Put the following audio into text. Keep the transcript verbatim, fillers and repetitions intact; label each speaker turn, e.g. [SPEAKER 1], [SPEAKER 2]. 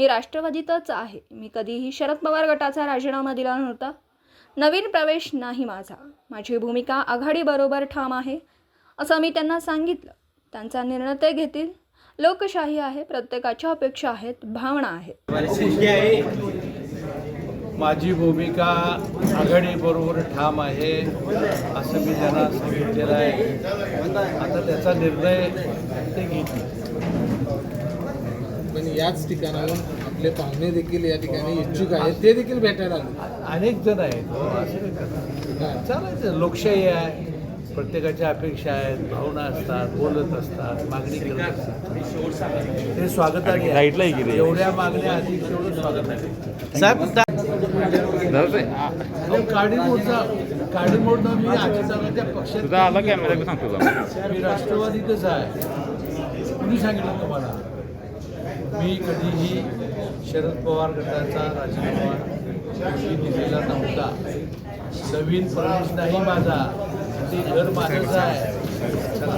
[SPEAKER 1] मी राष्ट्रवादीतच आहे. मी कधीही शरद पवार गटाचा राजीनामा दिला नव्हता. नवीन प्रवेश नाही माझा. माझी भूमिका आघाडीबरोबर ठाम आहे असं मी त्यांना सांगितलं. त्यांचा निर्णय ते घेतील. लोकशाही आहे, प्रत्येकाच्या अपेक्षा आहेत, भावना आहेत.
[SPEAKER 2] माझी भूमिका आघाडीबरोबर ठाम आहे असं मी त्यांना सांगितलेलं आहे. आता त्याचा निर्णय ते घेतील.
[SPEAKER 3] पण याच ठिकाणाहून आपले पाहुणे देखील या ठिकाणी इच्छुक आहेत, ते देखील भेटायला आले.
[SPEAKER 2] अनेक जण आहेत हो, असं काय करणार. चालायचं, लोकशाही आहे, प्रत्येकाच्या अपेक्षा आहेत, भावना असतात, बोलत असतात, मागणी करत असतात. ते स्वागताने आहे. एवढ्या मागण्या अधिक तेवढं स्वागत आहे साहेब. काडीमोडचा काडीमोडनं मी अजितदादाच्या पक्षात मी राष्ट्रवादीतच आहे. कुणी सांगितलं तुम्हाला? मी कधीही शरद पवार गटाचा राजीनामा मी दिलेला नव्हता. नवीन प्रवेश नाही माझा. ते घर माझंच आहे.